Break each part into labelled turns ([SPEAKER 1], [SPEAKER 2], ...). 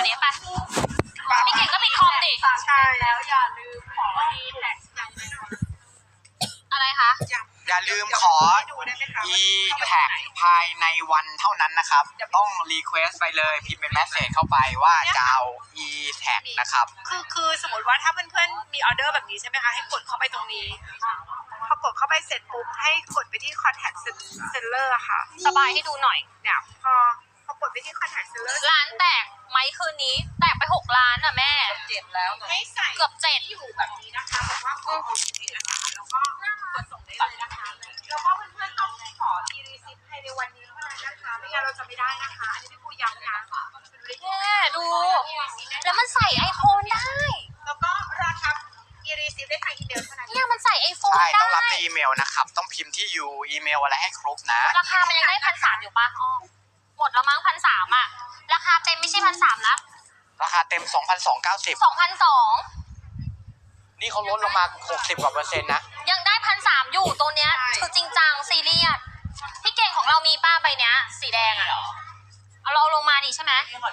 [SPEAKER 1] วันนี้ไปพี่เก่งก็ปิดคอมดิ
[SPEAKER 2] ใช่แล้วอย่าลืมขอดีแท็กยังไม่นอน
[SPEAKER 1] อะไรคะ
[SPEAKER 3] อย่าลืมขอ e-tag ภายในวันเท่านั้นนะครับต้องรีเควสไปเลยพิมพ์เป็นแมสเสจเข้าไปว่าจะเอา e-tag นะครับ
[SPEAKER 2] คือสมมติว่าถ้าเพื่อนๆมีออเดอร์แบบนี้ใช่ไหมคะให้กดเข้าไปตรงนี้พอกดเข้าไปเสร็จปุ๊บให้กดไปที่ contact seller ค่ะ
[SPEAKER 1] สบายให้ดูหน่อย
[SPEAKER 2] เนี่ยพอกดไปที่ contact seller
[SPEAKER 1] ร้านแตกไหมคืนนี้แตกไป6 ล้านอ่ะแม่
[SPEAKER 2] 7แล้วให้ใส่
[SPEAKER 1] เกือบ7
[SPEAKER 2] อยู่แบบนี้นะคะบอกว่าขอเอกสารแล้วก็กดส่งได้เลยนะคะแล้วก็เพื่อนๆต้องขอ e-receipt ภายในวันนี้เท่านั้นนะคะไม่งั้นเราจะไม่ได้นะคะอันนี้พี่ปูย้ำนะ
[SPEAKER 1] แม่ดูแล้วมันใส่ไอโฟนได้
[SPEAKER 2] แล้วก็ราคา e-receipt ได้ทางอีเมลเท่านั้น
[SPEAKER 1] เนี่ยมันใส่ไอโฟน
[SPEAKER 3] ใช่
[SPEAKER 1] ได้
[SPEAKER 3] ต้องรับในอีเมลนะครับต้องพิมพ์ที่อยู่อีเมลอะไรให้ครบนะ
[SPEAKER 1] ราคามันยังได้1,300อยู่ปะหมดแล้วมั้ง1,300อ่ะราคาเต็มไม่ใช่1,300นะ
[SPEAKER 3] ราคาเต็ม 2,290
[SPEAKER 1] 2,200
[SPEAKER 3] นี่เขาลดลงมา60กว่า%นะ
[SPEAKER 1] ยังได้1,300อยู่ตัวเนี้ยคือจริงจังซีเรียสพี่เก่งของเรามีป้าใบเนี้ยสีแดงอ่ะเอาเราลงมาดิใช่ไหม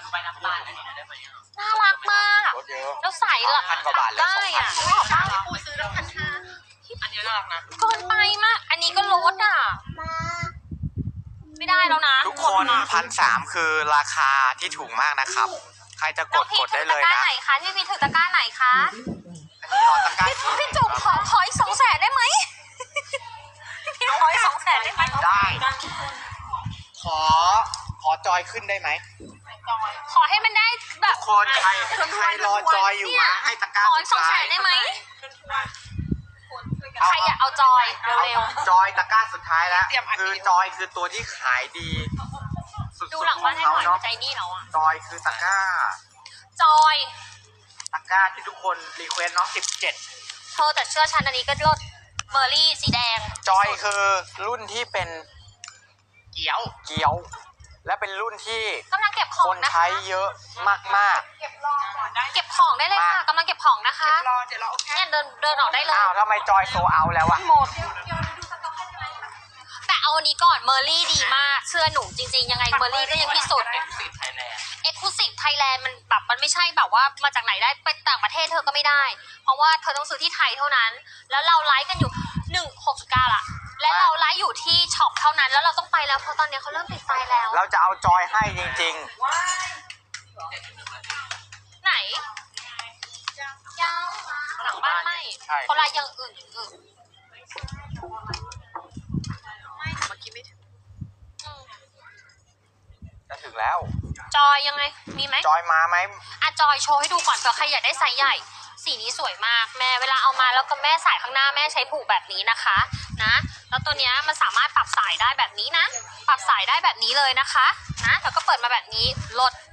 [SPEAKER 1] น่ารักมากแล้วใส่หลัก
[SPEAKER 3] 1,000 กว่าบาทเลย
[SPEAKER 1] ได้อ่ะ
[SPEAKER 2] ปูซื้อแล้ว1,500อันนี้น่ารักนะ
[SPEAKER 1] เกินไปมากอันนี้ก็ลดอ่ะไม่ได้แล้วนะ
[SPEAKER 3] ทุกคน1,300คือราคาที่ถูกมากนะครับใครจะกดได้เลยนะ
[SPEAKER 1] พี่พีถือตะกร้าไหนคะ
[SPEAKER 3] อันนี้หรอตะกร้า
[SPEAKER 1] พี่จุ๋มขออีก200,000ได้ไหมพี่ขออีก200,000ได้ไหม
[SPEAKER 3] ได้ขอจอยขึ้นได้ไหม
[SPEAKER 1] ขอให้มันได้แบบ
[SPEAKER 3] ทุกคนใครรอจอยอยู่นะให้ตะกร้า
[SPEAKER 1] ขออีก200,000ได้ไหมใครอยากเอาจอยเร็ว
[SPEAKER 3] ๆจอยตะกร้าสุดท้ายแล้วคือจอยคือตัวที่ขายดีสุดๆ
[SPEAKER 1] ดูหลังบ้านให้หน่อยใจนี่เราอ่ะ
[SPEAKER 3] จอยคือตะกร้า
[SPEAKER 1] จอย
[SPEAKER 3] ตะกร้าที่ทุกคนรีเควสเนาะ17
[SPEAKER 1] เธอแต่เชื่อฉันอันนี้ก็ลดเมอร์รี่สีแดง
[SPEAKER 3] จอยคือรุ่นที่เป็นเกี๊ยวและเป็นรุ่นที่
[SPEAKER 1] กำลังเก็บของ
[SPEAKER 3] คนใช้เยอะมาก
[SPEAKER 2] ๆเก็บรอก่อนได้
[SPEAKER 1] เก็บของได้เลยค่ะกำลังเก็บของนะคะ
[SPEAKER 2] รอเดี๋ยวเรา
[SPEAKER 1] เนี่ยเดินออกได้เลย
[SPEAKER 3] อ้าวทำไมจอยโซเอาแล้วอะ
[SPEAKER 1] หมดแต่เอาอันนี้ก่อนเมอร์รี่ดีมากเชื่อหนูจริงๆยังไงเมอร์รี่ก็ยังที่สุดExclusive Thailand มันแบบมันไม่ใช่แบบว่ามาจากไหนได้ไปต่างประเทศเธอก็ไม่ได้เพราะว่าเธอต้องซื้อที่ไทยเท่านั้นแล้วเราไลฟ์กันอยู่169ละและเราไลฟ์อยู่ที่ช็อปเท่านั้นแล้วเราต้องไปแล้วเพราะตอนนี้เขาเริ่มปิดไฟแล้ว
[SPEAKER 3] เราจะเอาจอยให้จริง
[SPEAKER 1] ๆไหนยังหลังบ้านไม่คนละอย่างอื่น
[SPEAKER 2] ไม่เมื่อกี้ไม่ถึง
[SPEAKER 3] จะถึงแล้ว
[SPEAKER 1] จอยยังไงมีไหม
[SPEAKER 3] จอยมาไหม
[SPEAKER 1] อ่ะจอยโชว์ให้ดูก่อนเผื่อใครอยากได้ไซส์ใหญ่สีนี้สวยมากแม่เวลาเอามาแล้วก็แม่ใส่ข้างหน้าแม่ใช้ผูกแบบนี้นะคะนะแล้วตัวเนี้ยมันสามารถปรับสายได้แบบนี้นะปรับสายได้แบบนี้เลยนะคะนะแล้วก็เปิดมาแบบนี้ลด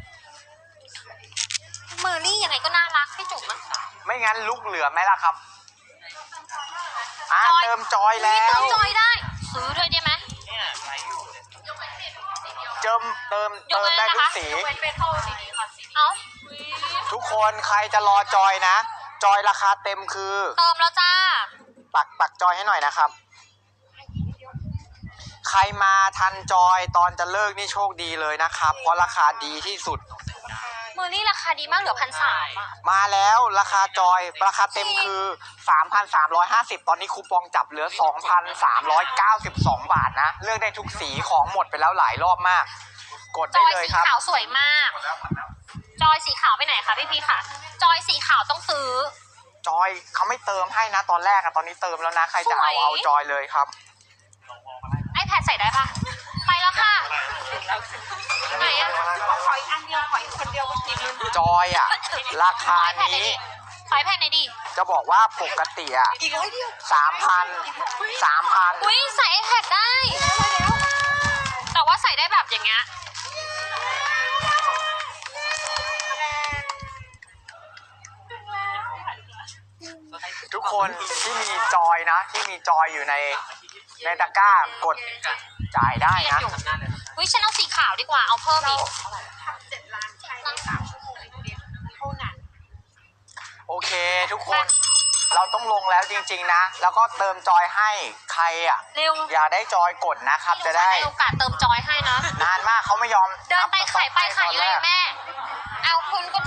[SPEAKER 1] เมอร์รี่ยังไงก็น่ารักพี่จุ๋มนะ
[SPEAKER 3] ไม่งั้นลุกเหลือไหมล่ะครับเติมจอยแล้ว
[SPEAKER 1] เติมจอยได้ซื้อด้วยได้ไหม
[SPEAKER 3] เติมได้ทุกสี
[SPEAKER 1] เอา
[SPEAKER 3] ทุกคนใครจะรอจอยนะจอยราคาเต็มคือ
[SPEAKER 1] เติมแล้วจ้า
[SPEAKER 3] ปักจอยให้หน่อยนะครับใครมาทันจอยตอนจะเลิกนี่โชคดีเลยนะครับเพราะราคาดีที่สุด
[SPEAKER 1] เมอร์รี่ราคาดีมากเหลือ1,300
[SPEAKER 3] มาแล้วราคาจอยราคาเต็มคือ 3,350 ตอนนี้คูปองจับเหลือ 2,392 บาทนะเลือกได้ทุกสีของหมดไปแล้วหลายรอบมากกดได้เลยครับ
[SPEAKER 1] จอยสีขาวสวยมากจอยสีขาวไปไหนคะพี่ค่ะจอยสีขาวต้องซื้อ
[SPEAKER 3] จอยเขาไม่เติมให้นะตอนแรกอะตอนนี้เติมแล้วนะใครจะเอาจอยเลยครับ
[SPEAKER 1] iPad ใส่ได้ปะไปแล้วค่ะไหนอะ
[SPEAKER 2] ขออีกอันเดียวขออีกคนเดียวก็กิน
[SPEAKER 3] จอยอะราคานี้
[SPEAKER 1] ขอ iPad ไหนดี
[SPEAKER 3] จะบอกว่าปกติอะ3,000
[SPEAKER 1] อุ้ยใส่ iPad ได้แต่ว่าใส่ได้แบบอย่างเงี้ย
[SPEAKER 3] ทุกคนที่มีจอยนะที่มีจอยอยู่ในตะกร้ากดจ่ายได้นะ
[SPEAKER 1] อุ้ยฉันเอาสีขาวดีกว่าเอาเพิ่มอีก
[SPEAKER 2] 7 ล้านใช้ใน3 ชั่วโมงเท่านั้น
[SPEAKER 3] โอเคทุกคนเราต้องลงแล้วจริงๆนะแล้วก็เติมจอยให้ใครอ่ะอย่าได้จอยกดนะครับจะได้
[SPEAKER 1] โอกาสเติมจอยให้นะ
[SPEAKER 3] นานมากเขาไม่ยอม
[SPEAKER 1] เดินไปขายเลยแม่เอาคุณก็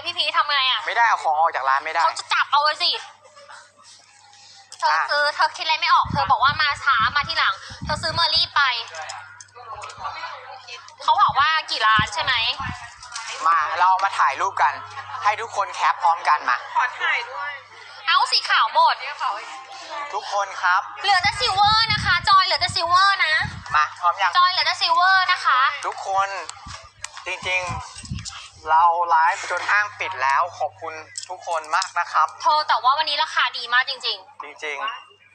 [SPEAKER 1] พี่พีทำไงอ่ะ
[SPEAKER 3] ไม่ได้เอาของออกจากร้านไม่ได้
[SPEAKER 1] เขาจะจับเอาเลยสิเธอซื้อเธอคิดอะไรไม่ออกเธอบอกว่ามาช้ามาที่หลังเธอซื้อเมอร์รี่ไปเขาบอกว่ากี่ล้านใช่ไหม
[SPEAKER 3] มาเรามาถ่ายรูปกัน ให้ทุกคนแคปพร้อมกันมา
[SPEAKER 2] ขอถ่ายด้วย
[SPEAKER 1] เอาสีขาวหมด
[SPEAKER 3] ทุกคนครับ
[SPEAKER 1] เหลือแต่ซิลเวอร์นะคะ จอยเหลือแต่ซิลเวอร์นะ
[SPEAKER 3] มาพร้อมยัง
[SPEAKER 1] จอยเหลือแต่ซิลเวอร์นะคะ
[SPEAKER 3] ทุกคนจริงๆ เราไลฟ์จนห้างปิดแล้วขอบคุณทุกคนมากนะครับ
[SPEAKER 1] เธอแต่ว่าวันนี้ราคาดีมากจริง
[SPEAKER 3] จริง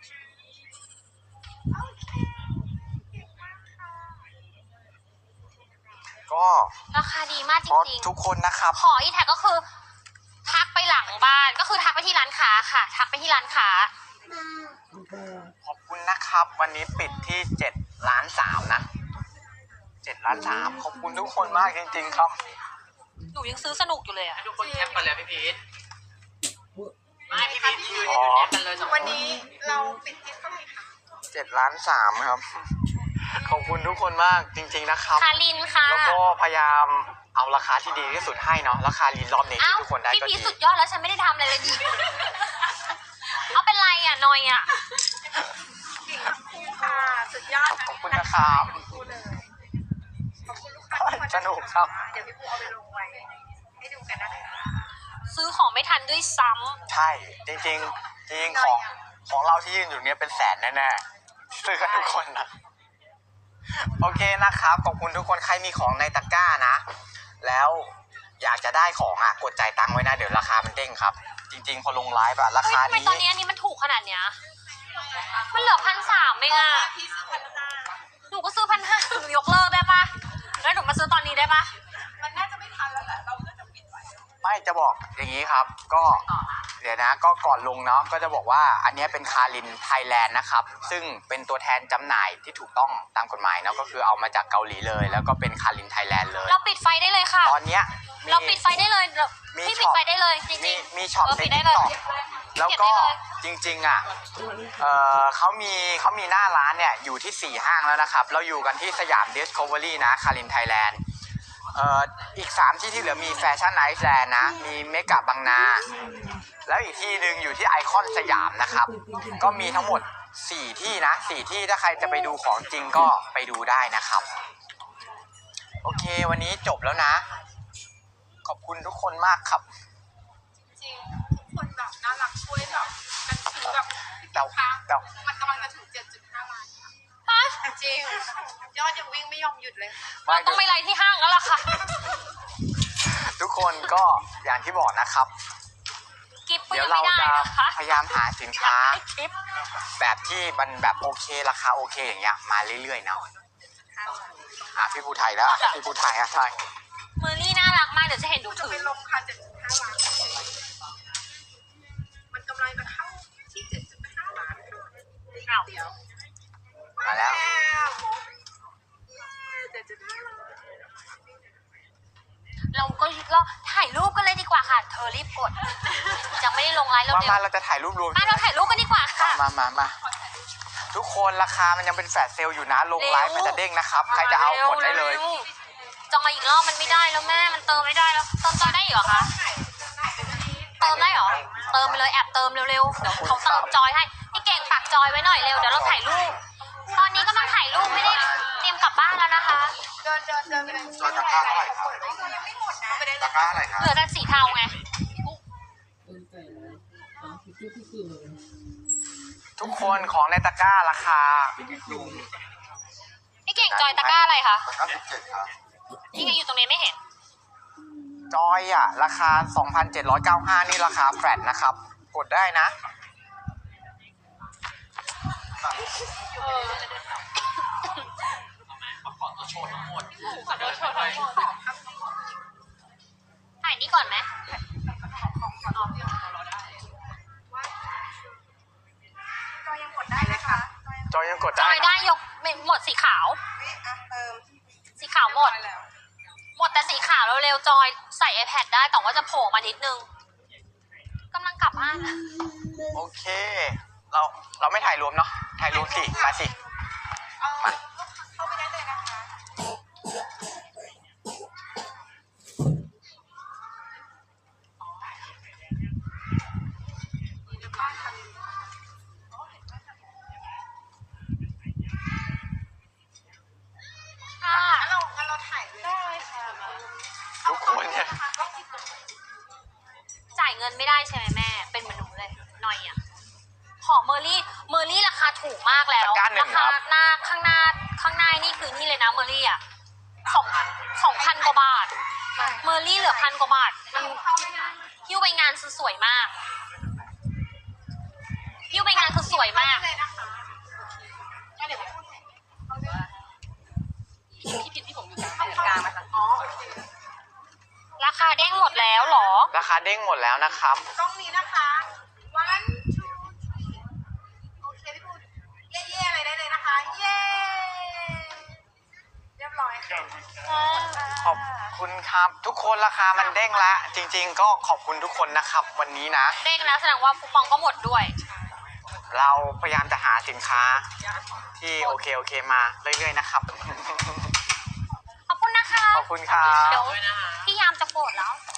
[SPEAKER 3] ๆ ก็
[SPEAKER 1] ๆ ราคาดีมากจ
[SPEAKER 3] เพราะ
[SPEAKER 1] ริง
[SPEAKER 3] ทุกคนนะครับ
[SPEAKER 1] ๆ ขออีแท็กก็คือ ทักไปหลังบ้านก็คือทักไปที่ร้านค้าค่ะ ทักไปที่ร้านค้า
[SPEAKER 3] ขอบคุณนะครับ วันนี้ปิดที่7.3 ล้านนะ7.3 ขอบคุณทุกคนมากจริงๆครับ
[SPEAKER 1] หนูยังซื้อสนุกอยู่เลยอะ
[SPEAKER 4] ทุกคนแคปกันเลยพี่พีทไม่พี่พีทยืน
[SPEAKER 3] อ๋อ
[SPEAKER 4] แคปกันเลยสองค
[SPEAKER 2] วันนี้เราปิดที่เท่าไหร่คะ
[SPEAKER 3] 7.3 ล้านครับ ขอบคุณทุกคนมากจริงๆนะครับ
[SPEAKER 1] คารินค่ะ
[SPEAKER 3] แล้วก็พยายามเอาราคาที่ดีที่สุดให้เนาะราคาลีนรอบนี้
[SPEAKER 1] เอ้า
[SPEAKER 3] ที่ทุกคนได้
[SPEAKER 1] พี่
[SPEAKER 3] ก็
[SPEAKER 1] พี
[SPEAKER 3] ดี
[SPEAKER 1] สุดยอดแล้วฉันไม่ได้ทำอะไรเลยดีเอาเป็นไรอ่ะนอยอ่ะ
[SPEAKER 2] เก่งทั้งคู่ค่ะสุดยอด
[SPEAKER 3] ขอบคุณนะครับ
[SPEAKER 2] คู่เลยขอบคุณลูกค้าที่มา
[SPEAKER 3] สนุกครับ
[SPEAKER 2] เดี๋ยวพี่ปูเอาไปลงไว้ให้ดูกันนะคะ
[SPEAKER 1] ซื้อของไม่ทันด้วยซ้ำ
[SPEAKER 3] ใช่จริงๆจริงๆของเราที่ยืนอยู่เนี้ยเป็นแสนแน่ๆซื้อกันทุกคนนะโอเคนะครับขอบคุณทุกคนใครมีของในตะกร้านะ แล้วอยากจะได้ของอ่ะกดจ่ายตังค์ไว้นะเดี๋ยวราคามันเด้งครับ จริงๆพอลงไลฟ์อะรา
[SPEAKER 1] เฮ้ย
[SPEAKER 3] คา
[SPEAKER 1] ทำไม
[SPEAKER 3] นี้
[SPEAKER 1] ตอนนี้อันนี้มันถูกขนาดเนี้ยมันเหลือ1,300เองอ่ะ
[SPEAKER 2] พี่ซื้อพันห้า
[SPEAKER 1] หนูก็ซื้อ1,500หนูยกเลิกได้ปะแล้วหนูมาซื้อตอนนี้ได้ปะ
[SPEAKER 2] มันน่าจะไม่ทันแล้วแหละเราก็จะปิดไว้
[SPEAKER 3] ไม่จะบอกอย่างนี้ครับ ก็เดี๋ยวนะก็ก่อนลงเนาะก็จะบอกว่าอันเนี้ยเป็นคารินไทยแลนด์นะครับซึ่งเป็นตัวแทนจำหน่ายที่ถูกต้องตามกฎหมายเนาะก็คือเอามาจากเกาหลีเลย แล้วก็เป็นคารินไทยแลนด์เลย
[SPEAKER 1] เราปิดไฟได้เลยค่ะ
[SPEAKER 3] ตอนเนี้ยมี
[SPEAKER 1] เราปิดไฟได้เลยเรา
[SPEAKER 3] มี
[SPEAKER 1] พี่
[SPEAKER 3] ช็
[SPEAKER 1] ปิด
[SPEAKER 3] อป
[SPEAKER 1] ไฟได้เลยจริ
[SPEAKER 3] มี
[SPEAKER 1] ง
[SPEAKER 3] มีช็อป
[SPEAKER 1] เออ
[SPEAKER 3] ใน
[SPEAKER 1] ปิดได้
[SPEAKER 3] ติ๊ก
[SPEAKER 1] เลย
[SPEAKER 3] ต็อกแล้วก็จริงๆอ่ะเขามีหน้าร้านเนี่ยอยู่ที่4 ห้างแล้วนะครับเราอยู่กันที่สยาม Discovery นะคารินไทยแลนด์อีก3 ที่ที่เหลือมีแฟชั่นไอซ์แลนด์นะมีเมกะบางนาแล้วอีกที่หนึ่งอยู่ที่ไอคอนสยามนะครับก็มีทั้งหมด4 ที่นะ4 ที่ถ้าใครจะไปดูของจริงก็ไปดูได้นะครับโอเควันนี้จบแล้วนะขอบคุณทุกคนมากครับ
[SPEAKER 2] จริงทุกคนแบบน่ารักช่วยแบบกันซื้อแบบ
[SPEAKER 3] แต่
[SPEAKER 2] ค้า
[SPEAKER 3] แต่
[SPEAKER 2] มันกำลังจะถึง 7.5 ล้าน
[SPEAKER 1] ๆฮะ
[SPEAKER 2] จริงยอดยังวิ่งไม่ยอมหยุดเลย
[SPEAKER 1] เราต้องไปไลน์ที่ห้างแล้วล่ะค่ะ
[SPEAKER 3] ทุกคนก็อย่างที่บอกนะครับ
[SPEAKER 1] กิฟต์ก็
[SPEAKER 3] เดี๋ย
[SPEAKER 1] ยั
[SPEAKER 3] ว
[SPEAKER 1] ง
[SPEAKER 3] เรา
[SPEAKER 1] ไม่ได้
[SPEAKER 3] จะ
[SPEAKER 1] นะคะ
[SPEAKER 3] พยายามหาสินค้า
[SPEAKER 1] ไม่คลิป
[SPEAKER 3] แบบที่มันแบบโอเคราคาโอเคอย่างเงี้ยมาเรื่อยๆนะพี่ภูไทยแล้วพี่ภูไทยใช่
[SPEAKER 1] เมอร์รี่น่ารักมากเดี๋ยวจะเห็นดู
[SPEAKER 2] จะ
[SPEAKER 1] ถื
[SPEAKER 2] ไป
[SPEAKER 1] อ
[SPEAKER 2] ลงค่ะ 7.5 ล้านมันกำลังจะเข้าที่ 7.5 ล้านค่ะ
[SPEAKER 1] อ้าว
[SPEAKER 2] เดี๋ยว
[SPEAKER 3] มาแล้ว
[SPEAKER 2] 7.5 ล้าน
[SPEAKER 1] เราถ่ายรูปกันเลยดีกว่าค่ะ เธอรีบกดยังไม่ได้ลงไลน์แล้ว
[SPEAKER 3] มา
[SPEAKER 1] เดี๋ยว
[SPEAKER 3] มาเราจะถ่ายรูปรวม
[SPEAKER 1] มาเราถ่ายรูปกันดีกว่าค่ะ
[SPEAKER 3] มาทุกคนราคามันยังเป็นแฟลชเซลล์อยู่นะลงไลฟ์มันจะเด้งนะครับใครจะเอากดได้เลย
[SPEAKER 1] ร็วๆจองมาอีกรอบมันไม่ได้แล้วแม่มันเติมไม่ได้แล้วเติมจอยได้อีกเหรอคะเติมได้เหรอเติมไปเลยแอบเติมเร็วๆเดี๋ยวเขาเติมจอยให้พี่เก่งฝากจอยไว้หน่อยเร็วเดี๋ยวเราถ่ายรูปตอนนี้กำลังถ่ายรูปไม่ได้เตรียมกลับบ้านแล้วนะคะ
[SPEAKER 2] เดินไปเลย
[SPEAKER 3] จอยตะกร้าเท่าไหร่ครับ
[SPEAKER 2] ยังไม่หมดนะไปได้เล
[SPEAKER 3] ตะ
[SPEAKER 2] ย
[SPEAKER 3] กร้าอะไรครับ
[SPEAKER 1] เหลือแต่สีเทาไง
[SPEAKER 3] ทุกคนของในตะกร้าราคา
[SPEAKER 1] พี่เก่งจอยตะกร้าอะไรคะ
[SPEAKER 3] ตะกร้า17ครับ
[SPEAKER 1] นี่ไงอยู่ตรงนี้ไม่เห็น
[SPEAKER 3] จอยอ่ะราคา 2,795 นี่ราคาแฟลตนะครับกดได้นะ
[SPEAKER 4] ขอตัวโชว์ทั้งหมด
[SPEAKER 1] ถ่ายนี่ก่อนไหม
[SPEAKER 2] ก็ยังกดได้นะคะ
[SPEAKER 3] จอยยังกด
[SPEAKER 1] จ
[SPEAKER 3] ได้
[SPEAKER 1] อย
[SPEAKER 3] นะ
[SPEAKER 1] ได้ยกหมดสีขาว
[SPEAKER 2] เติม
[SPEAKER 1] สีขาวหมด หมดแต่สีขาวเร็วๆจอยใส่ iPad ได้แต่ว่าจะโผล่มานิดนึงกำลังกลับบ้านนะ
[SPEAKER 3] โอเค เราไม่ถ่ายรวมเนาะถ่ายรวมสิมาสิ
[SPEAKER 2] เข้าไปได้เลยนะคะ
[SPEAKER 1] มากแล้ว
[SPEAKER 3] ตะกร้าหนึ่
[SPEAKER 1] ราง คา
[SPEAKER 3] ครับ
[SPEAKER 1] หน้าข้างหน้านี่คือนี่เลยนะเมอรี่อ่ะ2,000 กว่าบาทเมอรี่เหลือ1,000 กว่าบาทมันหิ้วไปงานคือสวยมากหิ้วไปงานคือสวยมาก
[SPEAKER 2] เลยนะคะก็เดี๋ยวพูดพี่ผิดที่ผมอยู่กลางมาค่ะอ๋อ
[SPEAKER 1] ราคาเด้งหมดแล้วเหรอ
[SPEAKER 3] ราคาเด้งหมดแล้วนะครับ
[SPEAKER 2] ตรงนี้นะคะ one two three โอเคพี่ปูเย่ๆอะไรได้เลยนะคะ เย่เรียบร้อยค่ะ
[SPEAKER 3] ขอบคุณครับ ทุกคนราคามันเด้งละจริง ๆ ก็ขอบคุณทุกคนนะครับ วันนี้นะ
[SPEAKER 1] เด้งแล้วแสดงว่าคูปองก็หมดด้วย
[SPEAKER 3] เราพยายามจะหาสินค้าที่โอเคมาเรื่อยๆนะครับ
[SPEAKER 1] ขอบคุณนะคะ
[SPEAKER 3] ขอบคุณครับ
[SPEAKER 1] เดี๋ยวพี่ยามจะโกรธแล้ว